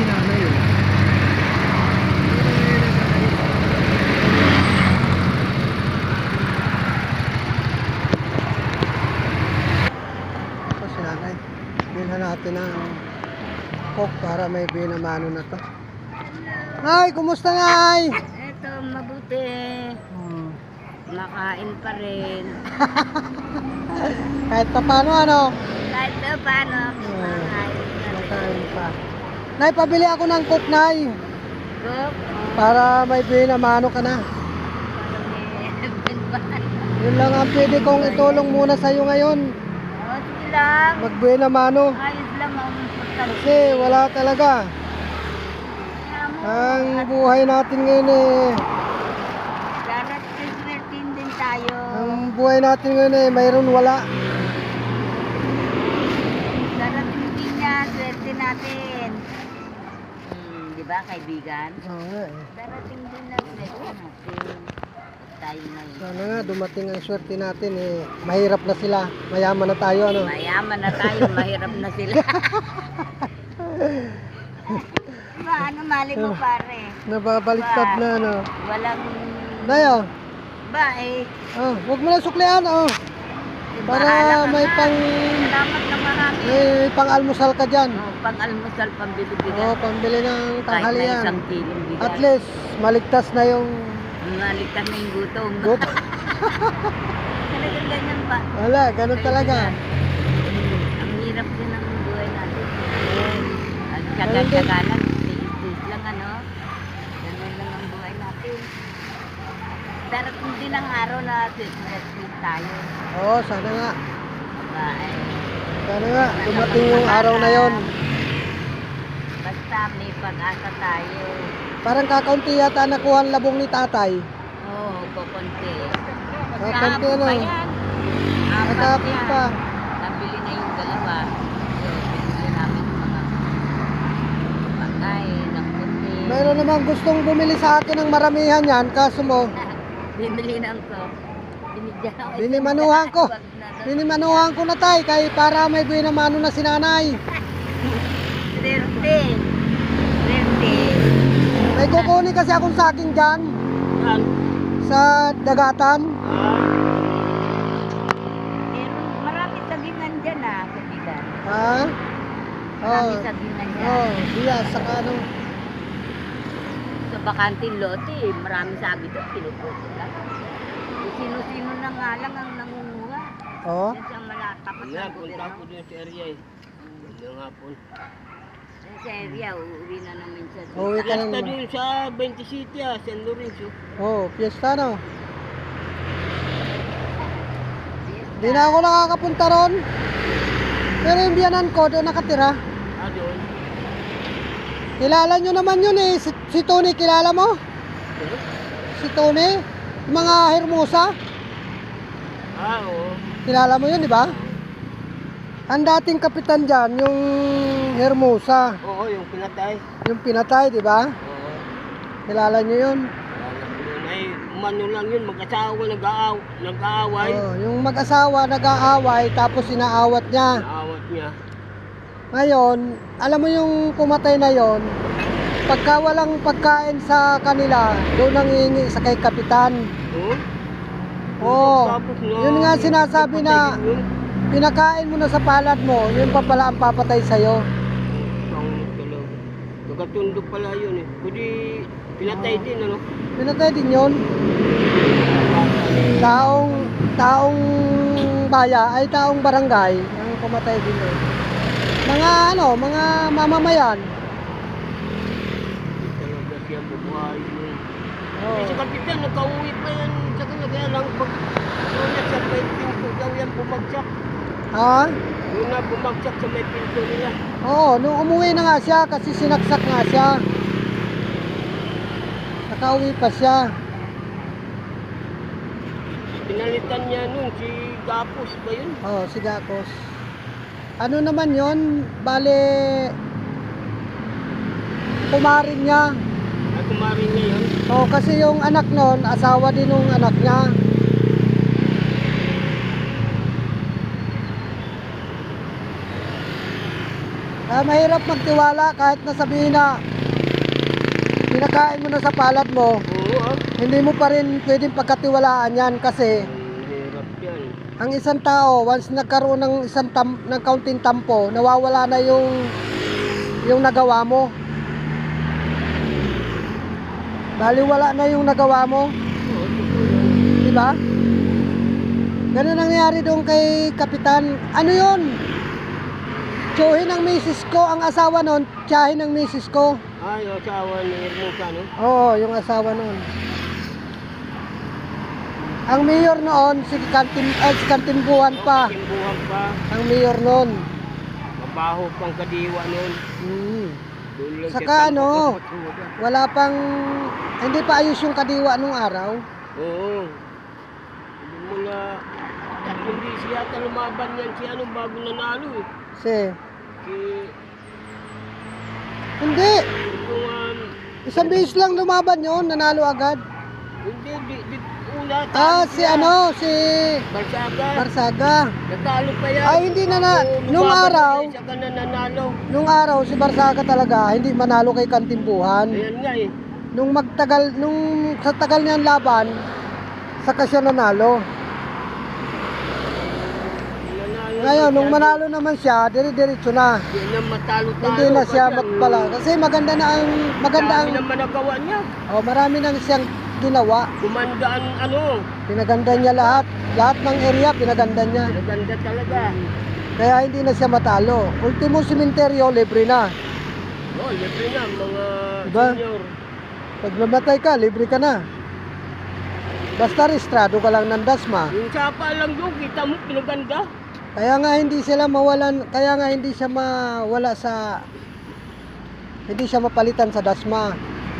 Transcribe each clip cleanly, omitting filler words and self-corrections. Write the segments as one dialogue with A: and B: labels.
A: si nanay oh. Ito si nanay. Bilhan natin ng coke para may binamano na to. Nay, kumusta Nay?
B: Eto, mabuti. Makain pa rin.
A: Kahit pa paano ano?
B: Kahit na paano, makain pa rin.
A: Makain pa. Nay, pabili ako ng coke Nay.
B: Coke?
A: Para may binamano ka na. Yun lang ang pwede kong itulong muna sa'yo ngayon.
B: O, sige lang.
A: Magbinamano.
B: Ayos lang ang importante.
A: Kasi wala talaga. Ang buhay natin ngayon eh.
B: Darating din tayo.
A: Ang buhay natin ngayon eh, mayroon wala.
B: Darating din yan, swerte natin. Di ba, kaibigan?
A: Oo nga eh.
B: Darating din na swerte natin. Tayo ngayon.
A: Sana nga dumating ang swerte natin eh. Mahirap na sila. Mayaman na tayo ano.
B: Mayaman na tayo, mahirap na sila. Ba, ano mali mo pare?
A: Nababaliktad na ano.
B: Walang...
A: Dayo.
B: Ba eh,
A: Oh, wag mo na suklian oh. Para
B: bahala ka
A: may
B: na.
A: pang
B: Salamat na marami.
A: may pang-almusal ka diyan.
B: Pang-almusal, pambili-bigan.
A: Oh, pambili ng
B: Kahit na
A: tanghalian.
B: isang kilong bigas.
A: At least maligtas na yung
B: Maligtas na yung gutom.
A: gut.
B: Talagang ganyan ba?
A: Wala, ganun talaga.
B: Ang hirap din ng buhay natin. At
A: Ayun
B: tsaga-tsaga lang, tiis-tiis lang ano. Ganun lang ang buhay natin. Darating din ang araw na tiis tayo.
A: Oo, sana nga.
B: Ba, eh,
A: Sana nga dumating yung araw na yon.
B: basta may pag-asa tayo.
A: Parang kakaunti yata nakuha ang labong ni tatay.
B: Oo, kukunti.
A: Kakaunti ano.
B: pa yan. Apat
A: Nakakapit
B: yan.
A: pa.
B: Nabili na yung dalawa. So, binili namin yung mga pagkain, ng puti.
A: Mayroon namang gustong bumili sa akin ng maramihan yan, kaso mo,
B: Bibili ng ko. Binigyan ako.
A: binimanuhan ko.
B: Wag na daw.
A: Binimanuhan ko na tay, kay para may binamano na si nanay.
B: 30. 30.
A: May kukunin kasi akong saking dyan, sa dagatan.
B: Marami sagingan dyan kaibigan.
A: Ha?
B: Marami
A: Oh,
B: sagingan dyan.
A: oh, diya, saka ano.
B: Sa bakanting lote, marami sabi doon, pinuputo lang. Sino-sino na nga lang ang nangunguha.
A: Oh,
B: Yan siyang malatapat
C: Wala,
B: ng
C: punta
B: gobyerno.
C: ko din sa area eh. Yung hapon.
B: Yan sa area, uuwi na namin siya.
A: uwi ka
C: Fiesta
A: ng...
C: dun sa 20 City San Lorenzo.
A: Oh, piyesta no. Di na ako nakakapunta ron. Pero yung biyanan ko, doon nakatira.
C: Doon.
A: Kilala nyo naman yun eh. Si Tony, kilala mo? Si Tony? Yung mga Hermosa?
C: Oo.
A: Kilala mo yun, di ba? Ang dating kapitan dyan, yung Hermosa.
C: Oo, yung pinatay.
A: Yung pinatay, di ba?
C: Oo.
A: Kilala nyo yun?
C: Alam ko yun ay, umano lang yun, mag-asawa, nag-aaway.
A: Oh, yung mag-asawa nag-aaway, tapos inaawat niya.
C: Naawat niya.
A: Ngayon, alam mo yung pumatay na yon, pagka walang pagkain sa kanila, doon ang hihingi sa kay kapitan.
C: Oo?
A: Oo.
C: Tapos na,
A: Yun nga sinasabi na
C: napatay din yun.
A: pinakain mo na sa palad mo, yun pa pala ang papatay sa'yo.
C: Ang talaga. Nagkatundok pala yun eh. Kundi pinatay din ano.
A: Pinatay din yun. Taong baya ay taong barangay ang pumatay din yun. Mga mga mamamayan.
C: Talaga siya bubuhay yun.
A: Oh.
C: Eh, si Kapitan, nagka-uwi pa yan sa kanya. Kaya lang pag una sa may pinto daw yan bumagsak.
A: Ha?
C: Una bumagsak sa may pinto nila.
A: Oo, nung umuwi na nga siya kasi sinaksak nga siya. Nakauwi pa siya.
C: Pinalitan niya nun si Gapos ba yun?
A: Oh, si Gakos. Ano naman yon? Bale, kumarin niya.
C: Ay, kumarin niya yun.
A: Oh, kasi yung anak nun, asawa din ng anak niya. Kaya mahirap magtiwala kahit na sabihin na pinakain mo na sa palad mo,
C: Oo,
A: hindi mo pa rin pwedeng pagkatiwalaan yan kasi
C: Hirap yan.
A: ang isang tao, once nagkaroon ng ng kaunting tampo, nawawala na yung nagawa mo. Baliwala na yung nagawa mo,
C: Oo, totoo yan.
A: di ba? Ganun ang nangyari doon kay Kapitan. Ano yun? Tsuhin ng misis ko, ang asawa nun, tiyahin ng misis ko.
C: Ay, asawa ni Hermosa, no?
A: Oo, yung asawa nun. Ang mayor noon, si Kantimbuhan pa.
C: Kimbuhan pa.
A: Ang mayor noon.
C: Mabaho pang kadiwa nun. Doon lang
A: Saka
C: siya
A: ano,
C: tampak-tampak.
A: wala pang, hindi pa ayos yung kadiwa nung araw.
C: Oo. Hindi mo na, hindi siya yata lumaban yan si ano bago nanalo eh.
A: Kasi,
C: Si,
A: hindi.
C: yung,
A: Isang bihis lang lumaban yon, nanalo agad.
C: hindi, una,
A: Si ano, si
C: Barsaga.
A: Barsaga.
C: Natalo pa yan.
A: Ay, hindi na na,
C: Oo,
A: nung
C: lumaban
A: araw,
C: yan, Siya ka na nanalo.
A: nung araw si Barsaga talaga, hindi manalo kay Kantimbuhan.
C: Ayan nga eh.
A: Nung sa tagal niyang laban, saka siya nanalo.
C: Nanalo
A: Ngayon, nung
C: siya.
A: manalo naman siya, dire-diretso na.
C: Hindi na matalo-talo.
A: Hindi na siya
C: kasi
A: magpala. Kasi maganda
C: Dami
A: ang,
C: naman nagawa niya.
A: marami nang siyang ginawa.
C: Kumandaan ano.
A: Pinaganda niya lahat. Lahat ng area, pinaganda niya.
C: Naganda talaga.
A: Kaya hindi na siya matalo. Ultimo sementeryo, libre na.
C: Oh, libre na mga
A: Diba?
C: senior.
A: Pag namatay ka, libre ka na. Basta restrado ka lang ng dasma.
C: Yung sapa lang doon, kita mo, pinaganda.
A: Kaya nga hindi sila mawalan, kaya nga hindi siya mawala sa, hindi siya mapalitan sa dasma.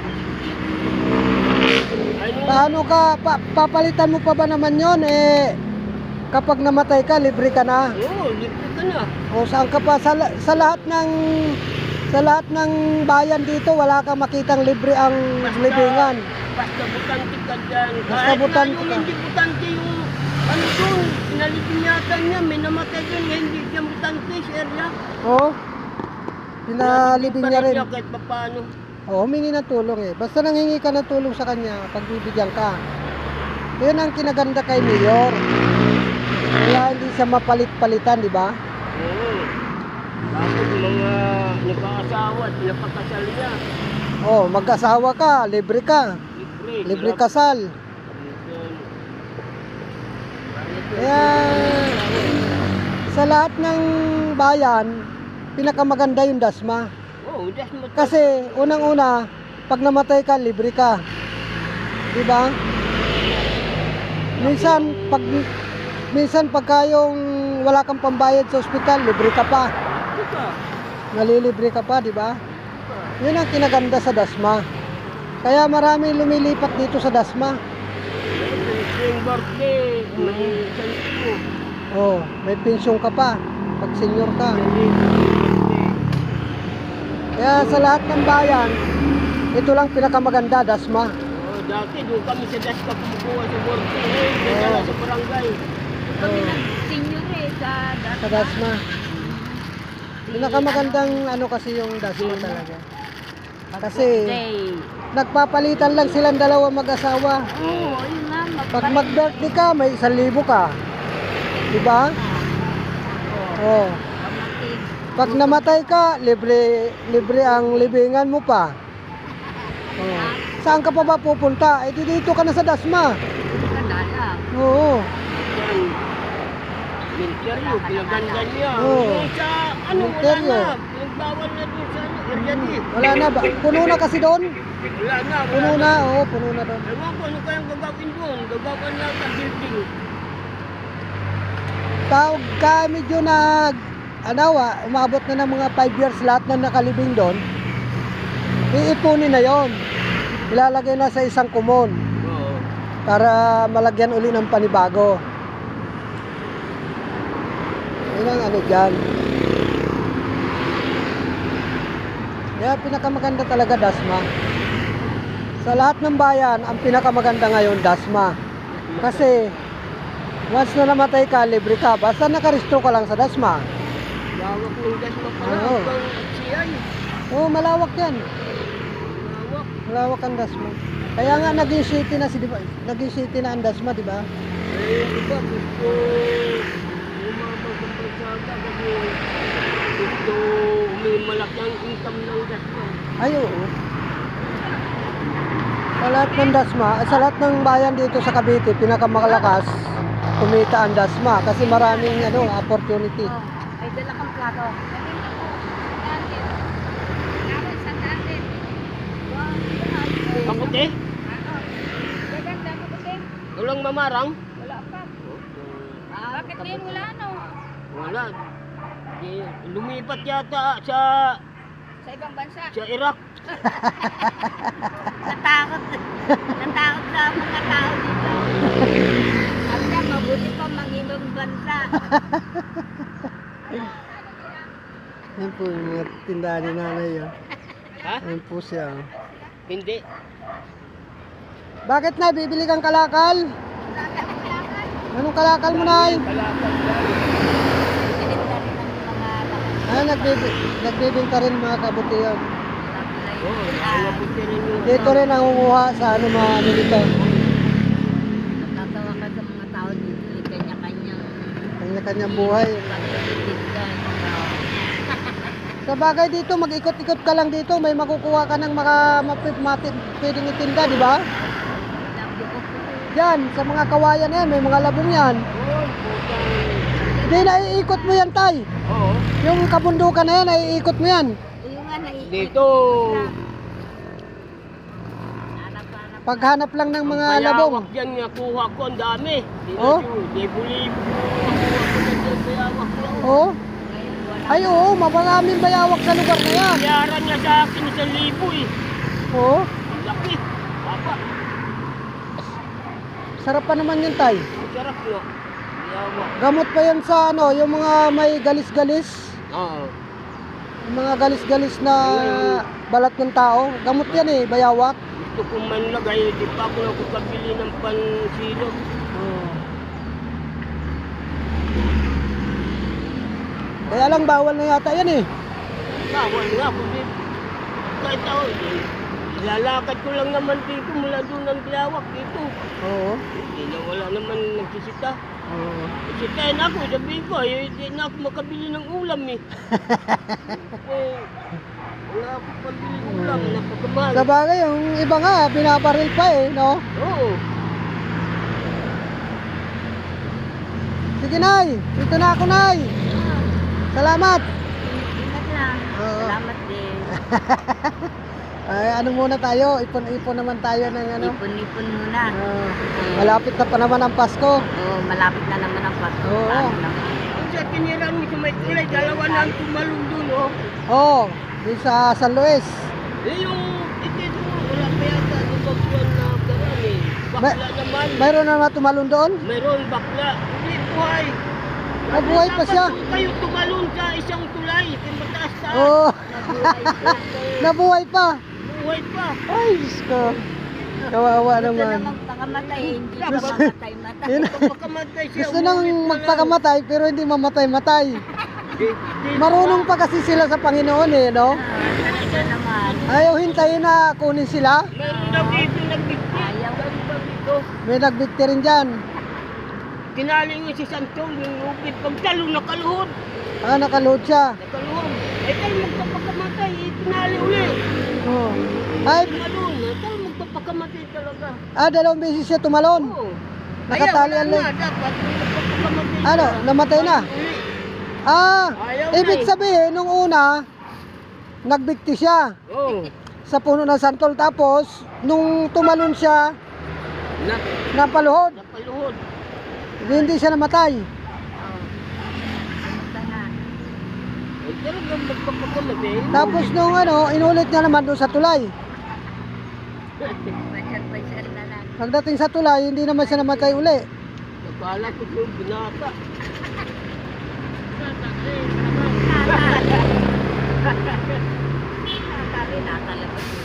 C: Ay, nung
A: Paano ka, papalitan mo pa ba naman yon kapag namatay ka, libre ka na.
C: oo, libre ka na.
A: O saan ka pa, sa lahat ng bayan dito, wala kang makitang libre ang libingan.
C: Basta butante ka dyan.
A: Basta
C: Kahit
A: butante
C: na yung
A: ka.
C: hindi butante yung ano doon, pinalipinyatan niya, may namatay doon, hindi siya butante, si Erla.
A: O, pinalibing niya rin.
C: Kahit pa paano.
A: O, humingi ng tulong Basta nanghingi ka ng tulong sa kanya, pagbibigyan ka. Yun ang kinaganda kay Mayor. Kaya hindi siya mapalit-palitan, di ba?
C: Oo. Tapos mga nagkaasawa at pinapakasal niya.
A: O, mag-asawa ka, libre ka. Libre
C: Sarap.
A: kasal. Kaya sa lahat ng bayan, pinakamaganda yung dasma.
C: Oh, that's not
A: Kasi unang-una, pag namatay ka, libre ka. Di ba? Minsan pagka yung wala kang pambayad sa ospital, libre ka pa.
C: ka.
A: Nalilibre ka pa, di ba? Yun ang kinaganda sa dasma. Kaya marami lumilipat dito sa dasma.
C: Yung birthday, may santo.
A: Oh, may pensyon ka pa pag senior ka. Kaya sa lahat ng bayan, ito lang pinakamaganda, dasma.
C: Oh, dati doon kami sa Dasma kumukuha sa birthday. Dala sa barangay.
B: Kami ng senior sa
A: Sa dasma. Pinakamagandang ano kasi yung dasma talaga. Kasi
B: Day.
A: nagpapalitan lang silang dalawa mag-asawa.
B: Oo, yun nga.
A: Pag mag-birthday ka, may 1,000 ka. Diba? Oh.
B: Pamatig.
A: Pag namatay ka, libre ang libingan mo pa. Oh. Saan ka pa ba pupunta? Eh di dito ka na sa dasma.
B: Kadala.
A: Oo.
C: Yan. Interview, pinaganda niya.
A: Oo.
C: Yung sa ano, wala
A: Interview.
C: na. Pinagbawal na doon sa ano, Erjati.
A: Wala na ba? Puno na kasi doon.
C: Wala na.
A: Puno na, oo, puno na doon.
C: Ewan ko, ano kayang gagawin doon? Gagawin na sa building.
A: Tawag ka medyo umabot na ng mga 5 years lahat na nakalibing doon. Iipunin na yon. Ilalagay na sa isang kumon
C: Oo.
A: para malagyan uli ng panibago. Yun ang ano dyan. Kaya pinakamaganda talaga dasma. Sa lahat ng bayan, ang pinakamaganda ngayon dasma. Kasi once na namatay ka, libre ka. Basta nakarestro ka lang sa dasma.
C: Lawak ng Dasma pala.
A: Oo.
C: Hanggang yan.
A: Oo, malawak yan.
C: Mawak.
A: Malawak ang Dasma. Kaya nga naging city na naging city na ang Dasma, di ba?
C: Iba gusto lumabas ang pagsada kasi gusto umimalak ang income ng Dasma.
A: Ay, oo. Sa lahat ng Dasma, sa lahat ng bayan dito sa Cavite, pinakamalakas kumita ang Dasma kasi maraming opportunity.
B: Oh, may dala kang plato.
C: Kamuti?
B: Gaganda mo kasi.
C: Walang mamarang?
B: Wala pa. Bakit ngayon wala no?
C: Wala. Lumipat yata
B: Sa ibang bansa.
C: sa Iraq.
B: Natakot. Natakot sa mga tao dito. Sabi niya, mabuti pa mangibang bansa.
A: Yan po yung mga tindahan ni nanay. Oh.
C: Ha?
A: Yan po siya. Oh.
C: Hindi.
A: Bakit na? Bibili kang kalakal? Anong kalakal mo, Nay?
C: Kalakal yan.
B: Sininda rin ang mga lakas.
A: Ah, nagbibinta rin mga kabutihan.
C: Oo, nakabuti rin yung...
A: Dito rin nangunguha sa mga dito.
B: Natatawa ka sa mga tao dito. Kanya-kanyang
A: Kanya-kanyang buhay.
B: pagtitindan.
A: Sa bagay dito, mag-ikot-ikot ka lang dito. May makukuha ka ng pwedeng itinda, di ba? Yan, sa mga kawayan yan, may mga labong yan.
C: Oo, putang...
A: Hindi, naiikot mo yan, Tay.
C: Oo.
A: Yung kabundukan na yan, naiikot mo yan.
B: Yung nga naiikot.
C: Dito,
B: Hanap-hanap.
A: Paghanap lang ng mga labong.
C: bayawak dyan nga, kuha ko, ang dami.
A: Oh?
C: Libo-libo ko, kuha ko na dyan, bayawak lang.
A: Oo.
B: Ngayon wala.
A: Ay, oo, maraming bayawak sa lugar na yan.
C: Yaran niya sa akin 1,000 eh.
A: Oo.
C: Ang laki. Papa,
A: Sarap pa naman yun, Tay.
C: ang sarap nga. Bayawak.
A: Gamot pa yan sa yung mga may galis-galis.
C: Oo.
A: Yung mga galis-galis na balat ng tao. Gamot yan eh, bayawak.
C: Gusto kong manlagay, di pa ako nakakabili ng pansilog.
A: Kaya lang bawal na yata yan eh.
C: Bawal nga kundi kahit ako, ilalakad ko lang naman dito mula doon ng bayawak dito.
A: Oo.
C: Hindi na wala naman nagsisita.
A: Oo.
C: Sitayin ako, sabi ko, hindi na ako makabili ng ulam eh. Wala ako pabili ng ulam, napakamahal.
A: Sa bagay, yung iba nga, binabaril pa eh, no?
C: Oo.
A: Sige, Nay. Dito na ako, Nay. Salamat.
B: Ingat lang.
A: Oo.
B: Salamat din.
A: Ay, ano muna tayo? Ipon-ipon naman tayo ng
B: Ipon-ipon muna.
A: malapit na pa naman ang Pasko.
B: Oo, malapit na naman ang Pasko.
A: Oo.
B: Lalo na.
C: Kung sa tinirang mo sa may kulay, dalawa na ang tumalong doon, oh.
A: Oo, di sa San Luis.
C: Eh, yung ito, wala pa yata yung bagwan na karang eh. Bakla naman.
A: Mayroon na naman tumalon doon?
C: Mayroon bakla. Hindi, buhay.
A: Nabuhay pa siya.
C: Dapat kayo tumalon sa isang tulay. Kaya mataas taas.
A: Oo,
C: Nabuhay pa.
A: nabuhay pa.
C: Buhay pa.
A: Ay, Diyos ko. Kawawa
B: Gusto
A: naman.
B: na magpakamatay, hindi na mamatay-matay.
A: Yun.
C: Pagkamatay siya.
A: Gusto nang
C: umulit na lang.
A: magpakamatay pero hindi mamatay-matay. Marunong pa kasi sila sa Panginoon eh, no?
B: Talaga naman.
A: Ayaw hintayin na kunin sila.
C: Meron daw dito nagbigti.
B: Ayaw.
C: Sabi ba dito?
A: May nagbigti rin dyan.
C: Tinaling mo si Santol, yung lupit. Pagtalo, nakaluhod.
A: Ah, nakaluhod siya.
C: Nakaluhod. Eh, tayo magpapakamatay. Tinali uli.
A: Oh. Ay,
C: Tumalon. Tayo magpapakamatay talaga.
A: dalawang beses siya tumalon.
C: Oo.
A: Nakatali
C: Kaya
A: ang
C: wala
A: leg.
C: na. Dapat magpapakamatay
A: Ano,
C: siya.
A: namatay na?
C: Uli.
A: Ah,
C: Ayaw na
A: ibig
C: eh.
A: sabihin, nung una, nagbigti siya
C: Oo.
A: sa puno ng santol. Tapos, nung tumalon siya, napaluhod.
C: Napaluhod.
A: Hindi siya namatay.
B: Kamusta na?
C: Eh, talagang magpapakamatay.
A: Tapos nung inulit niya naman doon sa tulay.
B: Pasyal-pasyal na lang.
A: Pagdating sa tulay, hindi naman siya namatay uli.
C: Nakala ko yung binata.
B: Nakakari, nakalabas yun.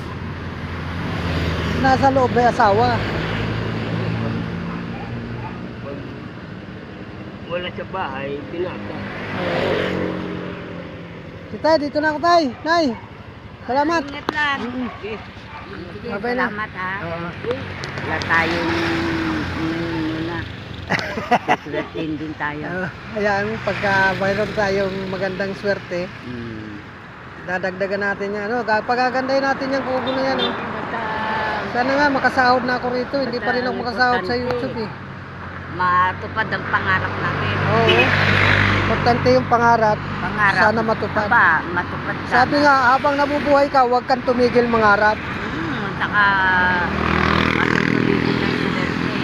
A: Nasa loob may asawa.
C: Wala sa bahay, binata.
A: Si Tay, dito na ako, Tay. Nay, salamat.
B: Ingat lang.
A: Mm.
C: Okay.
B: Sige,
A: Babay na.
B: salamat ha.
A: Oo.
B: Wala tayong muna. Suswertein din tayo.
A: Hayaan mo, pagka mayroon tayong magandang swerte,
B: Mm.
A: dadagdagan natin yan. Ano, pagagandahin natin yung kubo na yan. Oh.
B: Basta
A: Sana nga, makasahod na ako rito. Hindi pa rin ako makasahod sa YouTube eh.
B: matupad ang pangarap natin.
A: Oo. Importante yung pangarap.
B: Pangarap.
A: Sana matupad.
B: Aba, matupad sana.
A: Sabi nga, habang nabubuhay ka, huwag kang tumigil mangarap.
B: Saka matutuloy din ang university.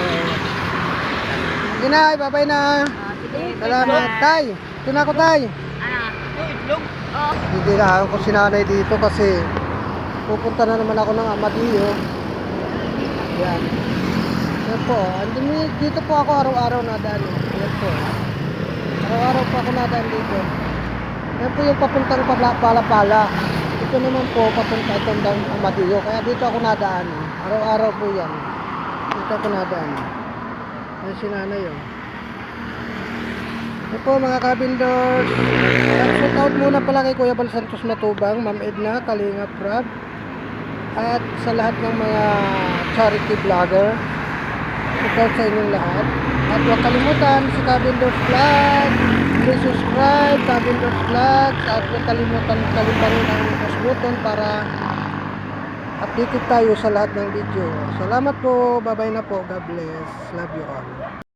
A: Sige na, babay na.
B: Sige,
A: Salamat.
B: bye-bye.
A: Tay, ito na ako, Tay.
B: Ano?
C: Oh, itlog.
B: Oh,
A: Hindi na ako si nanay dito kasi pupunta na naman ako ng Amadeo. Yan. Yan po. Dito po ako araw-araw nadaan. Yan po. Araw-araw po ako nadaan dito. Yan po yung papuntang Palapala. Ito naman po papunta itong Amadeo. Kaya dito ako nadaan. Araw-araw po yan. Dito ako nadaan. Yan si nanay yun. Ito po mga kabindors. Shout out muna pala kay Kuya Bal Santos Matubang, Ma'am Edna, Kalinga Prab, at sa lahat ng mga charity vlogger. Shout out sa inyong lahat. At huwag kalimutan si Kabindors Vlog. Please subscribe Kabindors Vlog. At huwag kalimutan rin ang post button para updated tayo sa lahat ng video. Salamat po. Bye bye na po. God bless. Love you all.